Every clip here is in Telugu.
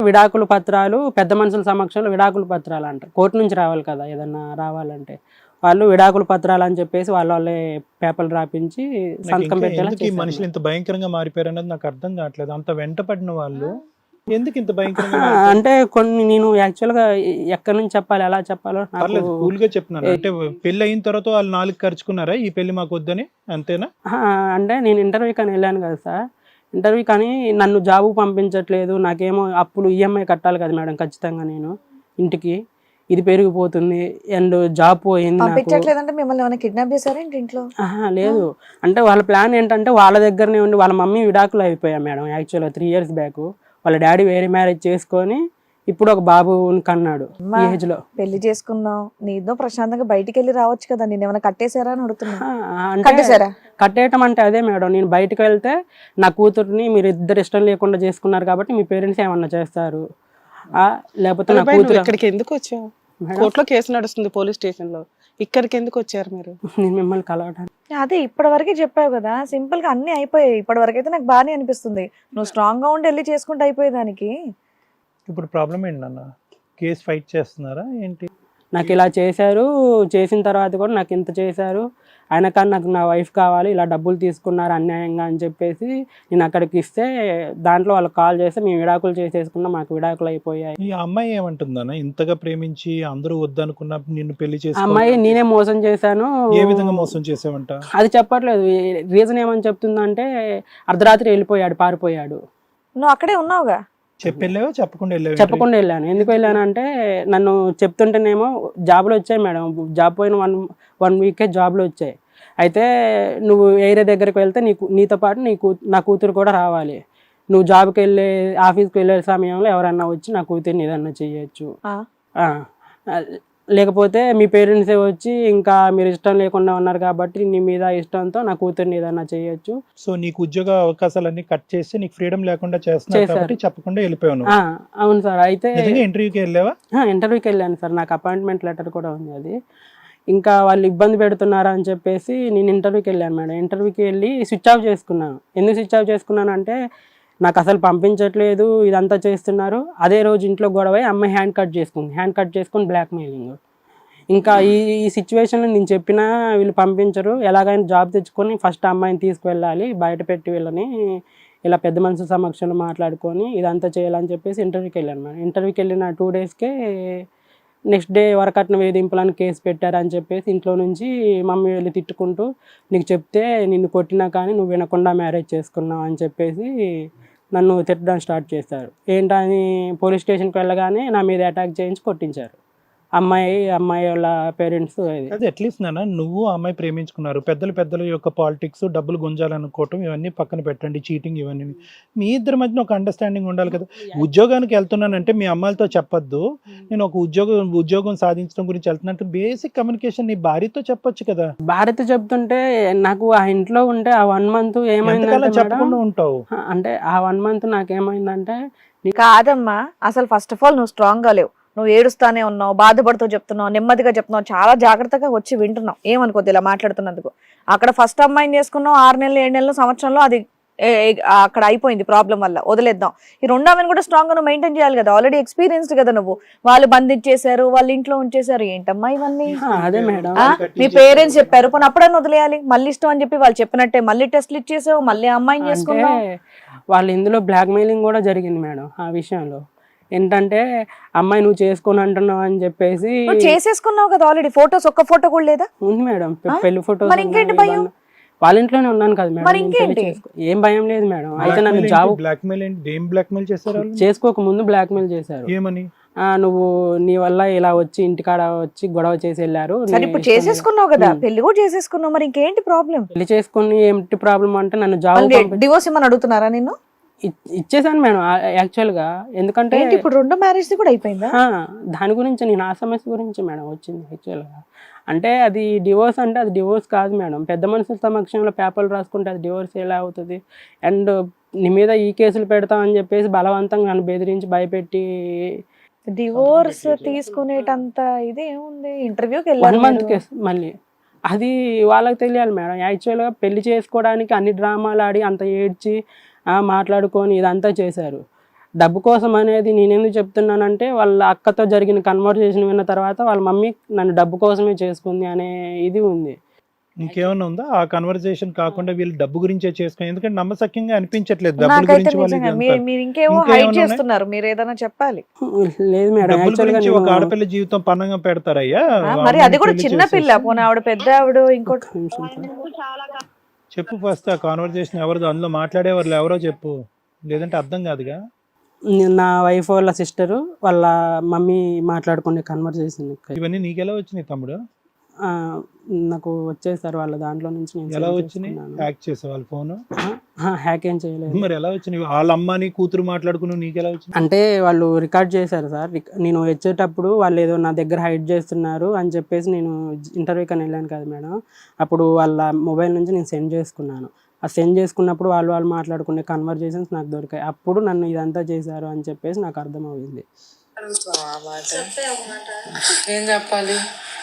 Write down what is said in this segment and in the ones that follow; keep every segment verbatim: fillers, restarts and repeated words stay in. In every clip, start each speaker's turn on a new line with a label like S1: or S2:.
S1: విడాకుల పత్రాలు పెద్ద మనుషుల సమక్షంలో విడాకుల పత్రాలు అంట, కోర్టు నుంచి రావాలి కదా ఏదన్నా రావాలంటే, వాళ్ళు విడాకుల పత్రాలు అని చెప్పేసి వాళ్ళ వాళ్ళే పేపర్లు రాపించి సంతకం పెట్టేలా
S2: ఎందుకు ఈ మనుషులు ఇంత భయంకరంగా మారిపోయారు అన్నది నాకు అర్థం కావట్లేదు. అంత వెంట పడిన వాళ్ళు ఎందుకు ఇంత భయంకరంగా
S1: ఆ, అంటే కొన్ని నేను యాక్చువల్గా ఎక్కడి నుంచి చెప్పాలి ఎలా చెప్పాలో నాకు
S2: పర్లేదు, కూల్ గా చెప్తున్నాను. అంటే పెళ్లి అయిన తర్వాత వాళ్ళు నాలుగు ఖర్చుకున్నారా ఈ పెళ్లి మాకు వద్దని, అంతేనా?
S1: ఆ, అంటే నేను ఇంటర్వ్యూకి అని వెళ్ళాను కదా సార్, ఇంటర్వ్యూ కానీ నన్ను జాబు పంపించట్లేదు, నాకేమో అప్పులు ఈఎంఐ కట్టాలి కదా మేడం ఖచ్చితంగా నేను ఇంటికి, ఇది పెరిగిపోతుంది అండ్ జాబ్ పోయింది నాకు.
S3: పంపించట్లేదంటే మిమ్మల్ని ఏమైనా కిడ్నాప్ చేశారేంటి ఇంట్లో?
S1: ఆహా, లేదు. అంటే వాళ్ళ ప్లాన్ ఏంటంటే వాళ్ళ దగ్గరనే ఉండి, వాళ్ళ మమ్మీ విడాకులు అయిపోయా మేడం యాక్చువల్గా త్రీ ఇయర్స్ బ్యాక్. వాళ్ళ డాడీ వేరే మ్యారేజ్ చేసుకొని ఇప్పుడు ఒక బాబుని కన్నాడు ఈ ఏజ్ లో.
S3: పెళ్లి చేసుకున్నావు, నీదో ప్రశాంతంగా బయటికి వెళ్ళి రావచ్చు కదా, నేను ఏమైనా కట్టేశారా అని అడుగుతున్నా.
S1: ఆ, అంటే
S3: కట్టేశారా?
S1: కట్టేయటం అంటే అదే మేడం, నేను బయటకు వెళ్తే నా కూతుర్ని మీరు ఇద్దరు ఇష్టం లేకుండా చేసుకున్నారు కాబట్టి మీ పేరెంట్స్ ఏమన్నా చేస్తారు, ఆ, లేకపోతే నా కూతురు.
S4: ఇక్కడికి ఎందుకు వచ్చావు? కోర్టులో కేసు నడుస్తుంది పోలీస్ స్టేషన్ లో, ఇక్కడికి ఎందుకు వచ్చారు మీరు?
S1: నేను మిమ్మల్ని కలవడానికి.
S3: అదే ఇప్పటి వరకే చెప్పావు కదా, సింపుల్ గా అన్ని అయిపోయాయి. ఇప్పటి వరకు అయితే నాకు బాగానే అనిపిస్తుంది, నువ్వు స్ట్రాంగ్ గా ఉండి వెళ్ళి చేసుకుంటూ అయిపోయేదానికి.
S2: ఇప్పుడు ప్రాబ్లం ఏంటి అన్న? కేసు ఫైట్ చేస్తున్నారా ఏంటి?
S1: నాకు ఇలా చేశారు, చేసిన తర్వాత కూడా నాకు ఇంత చేశారు, అయినా కానీ నాకు నా వైఫ్ కావాలి, ఇలా డబ్బులు తీసుకున్నారు అన్యాయంగా అని చెప్పేసి నేను అక్కడికి ఇస్తే దాంట్లో వాళ్ళకి కాల్ చేస్తే మేము విడాకులు చేసేసుకున్నాం, మాకు విడాకులు అయిపోయాయి.
S2: ఈ అమ్మాయి ఏమంటుందన్న? ఇంతగా ప్రేమించి అందరూ వద్దనుకున్న నిన్ను పెళ్లి చేసి
S1: అమ్మాయి నేనే మోసం చేశాను.
S2: ఏ విధంగా మోసం చేసావంట?
S1: అది చెప్పట్లేదు. రీజన్ ఏమని చెప్తుందంటే అర్ధరాత్రి వెళ్ళిపోయాడు, పారిపోయాడు.
S3: నువ్వు అక్కడే ఉన్నావుగా?
S2: చెప్పి వెళ్ళావా చెప్పకుండా వెళ్ళావా?
S1: చెప్పకుండా వెళ్ళాను. ఎందుకు వెళ్ళాను అంటే నన్ను చెప్తుంటేనేమో జాబ్లు వచ్చాయి మేడం, జాబ్ పోయిన వన్ వన్ వీకే జాబ్లు వచ్చాయి. అయితే నువ్వు ఏరియా దగ్గరికి వెళ్తే నీకు నీతో పాటు నీ కూ నా కూతురు కూడా రావాలి, నువ్వు జాబ్కి వెళ్ళే ఆఫీస్కి వెళ్ళే సమయంలో ఎవరన్నా వచ్చి నా కూతుర్ని ఏదన్నా చెయ్యొచ్చు, లేకపోతే మీ పేరెంట్సే వచ్చి ఇంకా మీరు ఇష్టం లేకుండా ఉన్నారు కాబట్టి నీ మీద ఇష్టంతో నా కూతుర్ని ఏదన్నా చేయొచ్చు.
S2: సో నీకు ఉద్యోగ అవకాశాలన్నీ కట్ చేసి నీకు ఫ్రీడమ్ లేకుండా చేస్తున్నారు కాబట్టి చెప్పకుండా వెళ్ళిపోయాను.
S1: అవును సార్. అయితే
S2: ఇంటర్వ్యూకి వెళ్ళావా?
S1: ఇంటర్వ్యూకి వెళ్ళాను సార్, నాకు అపాయింట్మెంట్ లెటర్ కూడా ఉంది. అది ఇంకా వాళ్ళు ఇబ్బంది పెడుతున్నారా అని చెప్పేసి నేను ఇంటర్వ్యూకి వెళ్ళాను మేడం. ఇంటర్వ్యూకి వెళ్ళి స్విచ్ ఆఫ్ చేసుకున్నాను. ఎందుకు స్విచ్ ఆఫ్ చేసుకున్నాను అంటే నాకు అసలు పంపించట్లేదు, ఇదంతా చేస్తున్నారు. అదే రోజు ఇంట్లో గొడవ అమ్మాయి హ్యాండ్ కట్ చేసుకుంది, హ్యాండ్ కట్ చేసుకుని బ్లాక్ మెయిలింగ్. ఇంకా ఈ ఈ సిచ్యువేషన్లో నేను చెప్పినా వీళ్ళు పంపించరు, ఎలాగైనా జాబ్ తెచ్చుకొని ఫస్ట్ అమ్మాయిని తీసుకువెళ్ళాలి, బయట పెట్టి వీళ్ళని ఇలా పెద్ద మనుషుల సమక్షంలో మాట్లాడుకొని ఇదంతా చేయాలని చెప్పేసి ఇంటర్వ్యూకి వెళ్ళాను మేడం. ఇంటర్వ్యూకి వెళ్ళిన టూ డేస్కే నెక్స్ట్ డే వరకట్న వేధింపులను కేసు పెట్టారని చెప్పేసి ఇంట్లో నుంచి మమ్మీ వెళ్ళి తిట్టుకుంటూ నీకు చెప్తే నిన్ను కొట్టినా కానీ నువ్వు వినకుండా మ్యారేజ్ చేసుకున్నావు అని చెప్పేసి నన్ను తిట్టడం స్టార్ట్ చేశారు. ఏంటని పోలీస్ స్టేషన్కి వెళ్ళగానే నా మీద అటాక్ చేయించి కొట్టించారు అమ్మాయి అమ్మాయి వాళ్ళ పేరెంట్స్.
S2: అది అట్లీస్ట్ నాన్న నువ్వు అమ్మాయి ప్రేమించుకున్నారు, పెద్దలు పెద్దల యొక్క పాలిటిక్స్ డబ్బులు గుంజాలనుకోవటం ఇవన్నీ పక్కన పెట్టండి, చీటింగ్ ఇవన్నీ మీ ఇద్దరి మధ్యన ఒక అండర్స్టాండింగ్ ఉండాలి కదా. ఉద్యోగానికి వెళ్తున్నానంటే మీ అమ్మాయిలతో చెప్పొద్దు, నేను ఒక ఉద్యోగం ఉద్యోగం సాధించడం గురించి వెళ్తున్నట్టు బేసిక్ కమ్యూనికేషన్ నీ భార్యతో చెప్పొచ్చు కదా.
S1: భార్యతో చెప్తుంటే నాకు ఆ ఇంట్లో ఉంటే ఆ వన్ మంత్ ఏమైందంటే
S2: చెప్పకుండా ఉంటావు
S1: అంటే ఆ వన్ మంత్ నాకేమైందంటే
S3: కాదమ్మా, అసలు ఫస్ట్ ఆఫ్ ఆల్ నువ్వు స్ట్రాంగ్ గా లేవు, నువ్వు ఏడుస్తానే ఉన్నావు, బాధపడుతూ చెప్తున్నావు, నెమ్మదిగా చెప్తున్నావు, చాలా జాగ్రత్తగా వచ్చి వింటున్నావు, ఏమనుకోద్దు ఇలా మాట్లాడుతున్నందుకు. అక్కడ ఫస్ట్ అమ్మాయిని చేసుకున్నావు, ఆరు నెలలు ఏడు నెలలు సంవత్సరంలో అది అక్కడ అయిపోయింది ప్రాబ్లం వల్ల, వదిలేద్దాం. ఈ రెండో ఆమెను కూడా స్ట్రాంగ్ గా నువ్వు మెయింటైన్ చేయాలి కదా, ఆల్రెడీ ఎక్స్పీరియన్స్డ్ కదా నువ్వు. వాళ్ళు బంధించేశారు, వాళ్ళ ఇంట్లో ఉంచేశారు, ఏంటమ్మా ఇవన్నీ?
S1: అదే మేడం
S3: మీ పేరెంట్స్ చెప్పారు, పోనీ అప్పుడైనా వదిలేయాలి, మళ్ళీ ఇష్టం అని చెప్పి వాళ్ళు చెప్పినట్టే మళ్ళీ టెస్ట్లు ఇచ్చేసావు, మళ్ళీ అమ్మాయిని చేసుకున్నావు.
S1: వాళ్ళు ఇందులో బ్లాక్ మెయిలింగ్ కూడా జరిగింది మేడం. ఆ విషయంలో ఏంటంటే అమ్మాయి నువ్వు చేసుకుని అంటున్నావు అని చెప్పేసి.
S3: చేసేసుకున్నావు కదా ఆల్రెడీ, ఫోటోస్ ఒక్క ఫోటో కూడా లేదా?
S1: ఉంది మేడం, పెళ్లి ఫోటోస్.
S3: వాళ్ళ
S1: ఇంట్లోనే ఉన్నాను కదా మేడం, ఏం భయం లేదు మేడం. అయితే నన్ను జాబ్
S2: బ్లాక్ మెయిల్ ఏం బ్లాక్ మెయిల్ చేశారు?
S1: చేసుకోక ముందు బ్లాక్ మెయిల్ చేశారు.
S2: ఏమని?
S1: నువ్వు నీ వల్ల ఇలా వచ్చి ఇంటికాడ వచ్చి గొడవ చేసి వెళ్ళారు.
S3: ఇప్పుడు చేసేసుకున్నావు కదా, పెళ్లి కూడా చేసేసుకున్నావు, మరి ఇంకేంటి ప్రాబ్లం?
S1: పెళ్లి చేసుకుని ఏంటి ప్రాబ్లం అంటే నన్ను జాబ్
S3: డివోర్స్ ఏమని అడుగుతున్నారా నిన్ను?
S1: ఇచ్చేసాను మేడం యాక్చువల్ గా. ఎందుకంటే
S3: ఇప్పుడు రెండో మ్యారేజ్ కూడా అయిపోయిందా?
S1: దాని గురించి నేను ఆ సమస్య గురించి మేడం వచ్చింది యాక్చువల్ గా. అంటే అది డివోర్స్ అంటే అది డివోర్స్ కాదు మేడం, పెద్ద మనుషుల సమక్షంలో పేపర్లు రాసుకుంటే అది డివోర్స్ ఎలా అవుతుంది? అండ్ నీ మీద ఈ కేసులు పెడతామని చెప్పేసి బలవంతంగా నన్ను బెదిరించి భయపెట్టి
S3: డివోర్స్ తీసుకునేటంత ఇది ఏముంది? ఇంటర్వ్యూకి వెళ్ళి
S1: వన్ మంత్ కేసు మళ్ళీ అది వాళ్ళకి తెలియాలి మేడం. యాక్చువల్గా పెళ్లి చేసుకోవడానికి అన్ని డ్రామాలు ఆడి అంత ఏడ్చి మాట్లాడుకొని ఇదంతా చేశారు. డబ్బు కోసం అనేది నేను ఎందుకు చెప్తున్నానంటే వాళ్ళ అక్కతో జరిగిన కన్వర్జేషన్ విన్న తర్వాత వాళ్ళ మమ్మీ నన్ను డబ్బు కోసమే చేసుకుంది అనే ఇది ఉంది.
S2: ఇంకేమన్నా ఉందా ఆ కన్వర్సేషన్ కాకుండా వీళ్ళు డబ్బు గురించే చేసుకుని? ఎందుకంటే నమ్మసక్యంగా అనిపించట్లేదు డబ్బుల
S3: నాకైతే
S2: గురించి వాళ్ళు
S3: నిజంగా
S2: ఇదంతా.
S3: మీ- మీరు ఇంకేమో
S2: ఇంకేమన్నా
S3: హైడ్
S2: ఉన్నాయి?
S3: చేస్తున్నారు, మీరు ఏదైనా చెప్పాలి.
S1: లేదు మేడం,
S2: డబ్బుల
S1: యాక్చువల్గా
S2: గురించి ఒక
S1: నేను
S2: ఆడపిల్ల జీవితం పన్నంగా పెడతారయ్యా?
S3: ఆ, మరి
S2: అమ్మాయిని
S3: అది కూడా
S2: పెళ్లి
S3: చిన్న పిల్ల,
S2: చేసేసి.
S3: పోనీ ఆవిడ పెద్ద ఆవిడ ఇంకోటి.
S1: ఒక్క నిమిషం సార్.
S2: చెప్పు ఫస్ట్ ఆ కాన్వర్సేషన్ ఎవరిదో, అందులో మాట్లాడేవాళ్ళు ఎవరో చెప్పు, లేదంటే అర్థం కాదుగా.
S1: నేను నా వైఫ్ వాళ్ళ సిస్టరు వాళ్ళ మమ్మీ మాట్లాడుకునే కన్వర్జేషన్
S2: ఇవన్నీ నీకెలా వచ్చినాయి తమ్ముడు?
S1: నాకు వచ్చేసారు వాళ్ళ దాంట్లో నుంచి నేను
S2: ఎలా
S1: save
S2: వచ్చినాయి?
S1: చేసుకున్నాను.
S2: హ్యాక్ చేసే వాళ్ళ ఫోన్?
S1: ఆ, హ్యాక్ ఏం చేయలేదు.
S2: మరి ఎలా వచ్చినాయి? వాళ్ళ అమ్మని కూతురు మాట్లాడుకున్నావు, నీకెలా వచ్చినాయి?
S1: అంటే వాళ్ళు రికార్డ్ చేశారు సార్. రిక- నేను వచ్చేటప్పుడు వాళ్ళు ఏదో నా దగ్గర హైడ్ చేస్తున్నారు అని చెప్పేసి నేను ఇంటర్వ్యూకి అని వెళ్ళాను కదా మేడం, అప్పుడు వాళ్ళ మొబైల్ నుంచి నేను సెండ్ చేసుకున్నాను. ఆ సెండ్ చేసుకున్నప్పుడు వాళ్ళు వాళ్ళు మాట్లాడుకునే కన్వర్జేషన్స్ నాకు దొరికాయి. అప్పుడు నన్ను ఇదంతా చేశారు అని చెప్పేసి నాకు అర్థమవుతుంది.
S4: ఏం చెప్పాలి?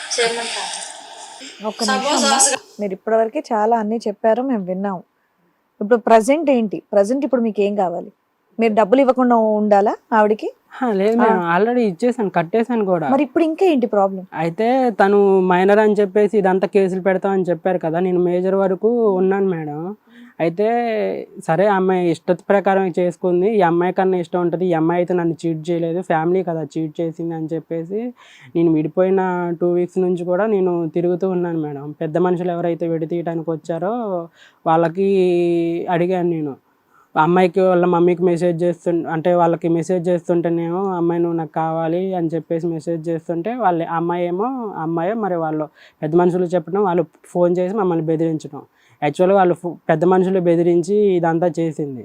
S3: ఒక్క నిమిషం అమ్మా. మీరు ఇప్పటివరకు చాలా అన్ని చెప్పారు, మేము విన్నాము. ఇప్పుడు ప్రజెంట్ ఏంటి? ప్రజెంట్ ఇప్పుడు మీకు ఏం కావాలి? మీరు డబ్బులు ఇవ్వకుండా ఉండాలా ఆవిడకి?
S1: హా, లేదు మేడం, ఆల్రెడీ ఇచ్చేసాను, కట్టేశాను కూడా.
S3: మరి ఇప్పుడు ఇంకా ఏంటి ప్రాబ్లం?
S1: అయితే తను మైనర్ అని చెప్పేసి ఇదంతా కేసులు పెడతామని చెప్పారు కదా, నేను మేజర్ వరకు ఉన్నాను మేడం. అయితే సరే అమ్మాయి ఇష్ట ప్రకారం చేసుకుంది, ఈ అమ్మాయి కన్నా ఇష్టం ఉంటుంది, ఈ అమ్మాయి అయితే నన్ను చీట్ చేయలేదు, ఫ్యామిలీ కదా చీట్ చేసింది అని చెప్పేసి నేను విడిపోయిన టూ వీక్స్ నుంచి కూడా నేను తిరుగుతూ ఉన్నాను మేడం. పెద్ద మనుషులు ఎవరైతే విడతీయడానికి వచ్చారో వాళ్ళకి అడిగాను నేను. అమ్మాయికి వాళ్ళ మమ్మీకి మెసేజ్ చేస్తు అంటే వాళ్ళకి మెసేజ్ చేస్తుంటేనేమో అమ్మాయి నువ్వు నాకు కావాలి అని చెప్పేసి మెసేజ్ చేస్తుంటే వాళ్ళు అమ్మాయి ఏమో అమ్మాయి మరి వాళ్ళు పెద్ద మనుషులు చెప్పడం, వాళ్ళు ఫోన్ చేసి మమ్మల్ని బెదిరించడం. యాక్చువల్గా వాళ్ళు ఫో- పెద్ద మనుషులు బెదిరించి ఇదంతా చేసింది.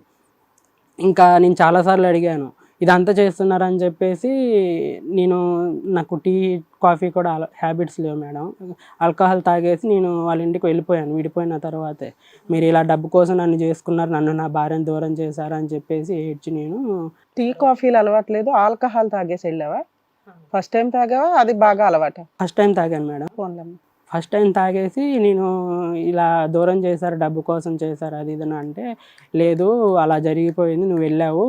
S1: ఇంకా నేను చాలాసార్లు అడిగాను ఇదంతా చేస్తున్నారని చెప్పేసి. నేను నాకు టీ కాఫీ కూడా హ్యాబిట్స్ లేవు మేడం. ఆల్కహాల్ తాగేసి నేను వాళ్ళ ఇంటికి వెళ్ళిపోయాను విడిపోయిన తర్వాతే. మీరు ఇలా డబ్బు కోసం నన్ను చేసుకున్నారు, నన్ను నా భార్యను దూరం చేశారు అని చెప్పేసి ఏడ్చి నేను
S4: టీ కాఫీలు అలవాట్లేదు, ఆల్కహాల్ తాగేసి వెళ్ళావా? ఫస్ట్ టైం తాగావా? అది బాగా అలవాట?
S1: ఫస్ట్ టైం తాగాను మేడం.
S4: ఫోన్లమ్మ.
S1: ఫస్ట్ టైం తాగేసి నేను ఇలా దూరం చేశారు, డబ్బు కోసం చేశారు అది ఇది అని అంటే, లేదు అలా జరిగిపోయింది, నువ్వు వెళ్ళావు,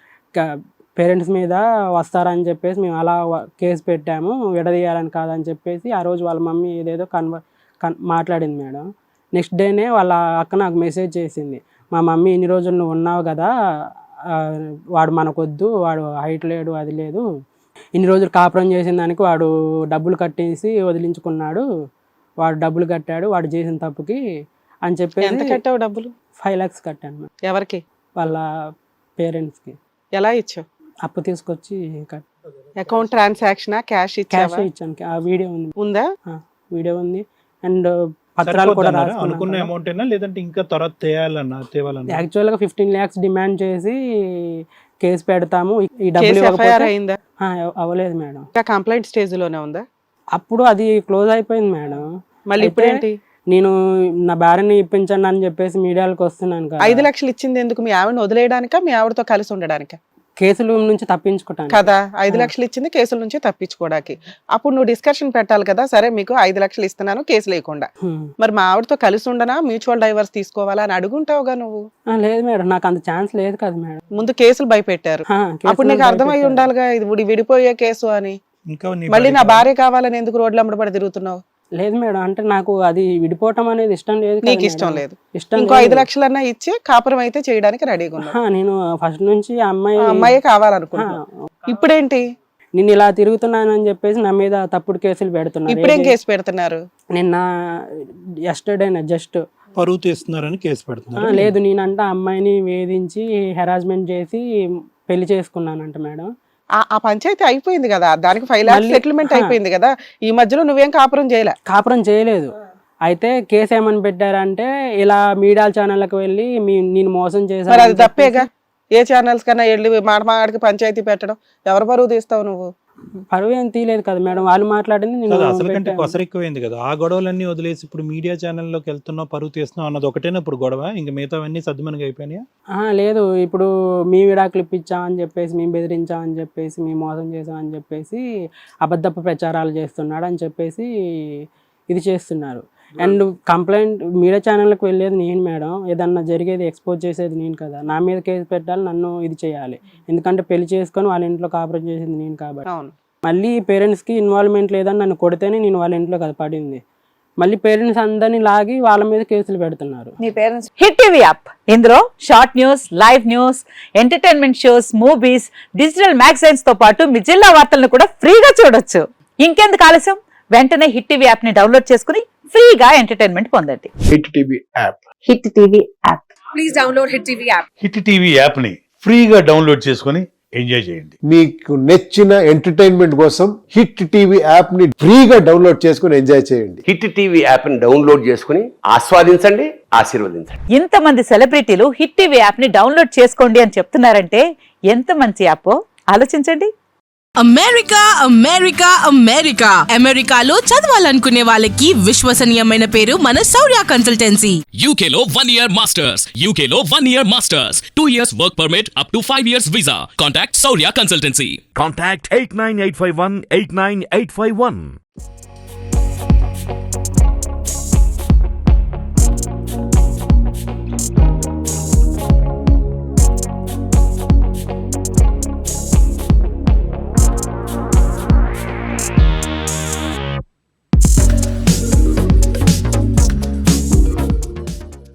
S1: పేరెంట్స్ మీద వస్తారని చెప్పేసి మేము అలా వ- కేసు పెట్టాము, విడదీయాలని కాదని చెప్పేసి ఆ రోజు వాళ్ళ మమ్మీ ఏదేదో కన్వ కన్ మాట్లాడింది మేడం. నెక్స్ట్ డేనే వాళ్ళ అక్క నాకు మెసేజ్ చేసింది, మా మమ్మీ ఇన్ని రోజులు నువ్వు ఉన్నావు కదా, ఆ, వాడు మనకొద్దు, వాడు హైట్ లేడు అది లేదు, ఇన్ని రోజులు కాపురం చేసిన దానికి వాడు డబ్బులు కట్టేసి వదిలించుకున్నాడు, వాడు డబ్బులు కట్టాడు వాడు చేసిన తప్పుకి అని
S4: ఎంత
S1: చెప్పేసి
S4: కట్టావు డబ్బులు?
S1: ఫైవ్ లాక్స్ కట్టాను మేడం
S4: ఎవరికి?
S1: వాళ్ళ పేరెంట్స్కి.
S4: ఎలా ఇచ్చావు?
S1: అప్పు తీసుకొచ్చి cut
S4: account transaction, cash
S1: cash
S4: ఇచ్చావా?
S1: ఇచ్చాను. ఆ వీడియో ఉంది,
S4: ఉందా?
S1: వీడియో ఉంది అండ్ పత్రాలు కూడా
S2: సరిపోద్దన్నారా?
S1: రాసుకున్నాను
S2: అనుకున్న
S1: కదా.
S2: అమౌంట్ అయినా లేదంటే ఇంకా తర్వాత తేయాలన్నా తేవాలన్నా?
S1: యాక్చువల్గా ఫిఫ్టీన్ ల్యాక్స్ డిమాండ్ చేసి కేసు పెడతాము, ఈ డబ్బులు
S4: కేసు ఎఫ్ఐఆర్
S1: ఇవ్వకపోతే
S4: అయిందా?
S1: ఆ, అవ్వలేదు మేడం.
S4: ఇంకా కంప్లైంట్ స్టేజ్ లోనే ఉందా?
S1: అప్పుడు అది క్లోజ్ అయిపోయింది మేడం.
S4: మళ్ళీ ఇప్పుడు ఏంటి?
S1: నేను నా భార్యని ఇప్పించండి అని చెప్పేసి మీడియాలకు వస్తున్నాను కదా.
S4: ఐదు లక్షలు ఇచ్చింది ఎందుకు? మీ ఆవిడని వదిలేయడానికా, మీ ఆవిడతో కలిసి ఉండడానికా?
S1: కేసుల నుంచి తప్పించుకుంటాను
S4: కదా. ఐదు లక్షలు ఇచ్చింది కేసుల నుంచి తప్పించుకోవడానికి. అప్పుడు నువ్వు డిస్కషన్ పెట్టాలి కదా, సరే మీకు ఐదు లక్షలు ఇస్తున్నాను కేసు లేకుండా, మరి మా ఆవిడతో కలిసి ఉండనా, మ్యూచువల్ డైవర్స్ తీసుకోవాలా అని అడుగుంటావుగా నువ్వు.
S1: లేదు మేడం, నాకు అంత ఛాన్స్ లేదు కదా మేడం.
S4: ముందు కేసులు భయపెట్టారు,
S1: ఆ,
S4: అప్పుడు నీకు
S1: కేసులు
S4: అర్థమై
S1: భయపెట్టారు.
S4: ఉండాలిగా ఇది విడి- విడిపోయే కేసు అని.
S2: ఇంకా నీ
S4: మళ్ళీ నా
S2: భార్య
S4: భార్య కావాలని ఎందుకు రోడ్లు అమ్మడబడి తిరుగుతున్నావు?
S1: లేదు మేడం, అంటే నాకు అది విడిపోవటం అనేది ఇష్టం లేదు కదా
S4: నీకు
S1: మేడం.
S4: ఇష్టం లేదు.
S1: ఇష్టం
S4: ఇంకో
S1: లేదు.
S4: ఐదు లక్షలన్నా ఇచ్చి కాపురం అయితే చేయడానికి రెడీగా ఉన్నావు.
S1: ఆ, నేను ఫస్ట్ నుంచి ఆ అమ్మాయి
S4: ఆ అమ్మాయే
S1: ఆ,
S4: కావాలనుకుంటున్నా. ఇప్పుడేంటి?
S1: నేను ఇలా తిరుగుతున్నానని చెప్పేసి నా మీద తప్పుడు కేసులు పెడుతున్నారు.
S4: ఇప్పుడేం
S1: ఏది-
S4: కేసు పెడుతున్నారు?
S1: నిన్న ఎస్టర్డే జస్ట్
S2: పరువు తీస్తున్నారని కేసు పెడుతున్నారు.
S1: లేదు, నేనంట ఆ అమ్మాయిని వేధించి హెరాస్మెంట్ చేసి పెళ్లి చేసుకున్నానంట మేడం.
S4: ఆ ఆ పంచాయతీ అయిపోయింది కదా, దానికి ఫైవ్ లాక్స్
S1: మళ్ళీ-
S4: సెటిల్మెంట్
S1: ఆ.
S4: అయిపోయింది కదా. ఈ మధ్యలో నువ్వేం కాపురం చేయలే.
S1: కాపురం చేయలేదు. అయితే కేసు ఏమని పెట్టారంటే ఇలా మీడియా ఛానళ్ళకి వెళ్ళి మీ నేను మోసం
S4: మరి
S1: చేశాను
S4: అది తప్పేగా. ఏ ఛానల్స్ కన్నా వెళ్ళి మాట మాడికి పంచాయతీ పెట్టడం, ఎవరు పరువు తీస్తావు నువ్వు?
S1: పరువు ఏం తీయలేదు కదా మేడం, వాళ్ళు మాట్లాడింది నేను
S2: కాదు, అసలు కంటే
S1: పెట్టాను.
S2: కొసరు ఎక్కువైంది కదా. ఆ గొడవలన్నీ వదిలేసి ఇప్పుడు మీడియా ఛానల్లోకి వెళ్తున్నావు, పరువు తీస్తున్నావు అన్నది ఒకటేనా ఇప్పుడు గొడవ? ఇంక మిగతావన్నీ సద్దుమనిగా అయిపోయినాయా?
S1: ఆ, లేదు, ఇప్పుడు మీ విడాకులు ఇప్పించామని చెప్పేసి మేము బెదిరించామని చెప్పేసి మేము మోసం చేసామని చెప్పేసి అబద్ధపు ప్రచారాలు చేస్తున్నాడు అని చెప్పేసి ఇది చేస్తున్నారు. అండ్ కంప్లైంట్ మీడియా ఛానల్కి వెళ్ళేది నేను మేడం, ఏదన్నా జరిగేది ఎక్స్పోజ్ చేసేది నేను కదా, నా మీద కేసు పెట్టాలి, నన్ను ఇది చేయాలి, ఎందుకంటే పెళ్లి చేసుకొని వాళ్ళ ఇంట్లో కాపురం చేసింది నేను కాబట్టి.
S4: అవును.
S1: మళ్ళీ పేరెంట్స్కి ఇన్వాల్వ్మెంట్ లేదని నన్ను కొడితేనే నేను వాళ్ళ ఇంట్లో కదా పడింది, మళ్ళీ పేరెంట్స్ అందరినీ లాగి వాళ్ళ మీద కేసులు పెడుతున్నారు.
S3: నీ పేరెంట్స్ హిట్ టీవీ యాప్, ఇందులో short news, live news, entertainment shows, movies, digital magazines తో పాటు మీ జిల్లా వార్తలను కూడా ఫ్రీగా చూడొచ్చు. ఇంకెందుకు ఆలస్యం, వెంటనే హిట్ టీవీ యాప్ ని డౌన్లోడ్ చేసుకుని ఫ్రీగా ఎంటర్టైన్మెంట్ పొందండి.
S5: Hit TV app
S3: Hit TV app.
S6: Please download Hit TV app.
S7: Hit TV యాప్ని ఫ్రీగా డౌన్లోడ్ చేసుకొని ఎంజాయ్ చేయండి.
S5: మీకు నచ్చిన ఎంటర్టైన్మెంట్ కోసం హిట్ టీవీ యాప్ ని ఫ్రీగా డౌన్లోడ్ చేసుకుని ఎంజాయ్ చేయండి.
S8: హిట్ టీవీ యాప్ ని డౌన్లోడ్ చేసుకుని ఆస్వాదించండి, ఆశీర్వదించండి.
S3: ఇంతమంది సెలబ్రిటీలు హిట్ టీవీ యాప్ ని డౌన్లోడ్ చేసుకోండి అని చెప్తున్నారంటే ఎంత మంచి యాప్ ఆలోచించండి.
S6: అమెరికా అమెరికా అమెరికా అమెరికాలో చదవాలనుకునే వాళ్ళకి విశ్వసనీయమైన పేరు మన శౌర్య కన్సల్టెన్సీ.
S9: U K లో one year masters, U K లో one year masters, two years work permit up to five years visa. Contact Saurya Consultancy.
S10: Contact eight nine eight five one eight nine eight five one.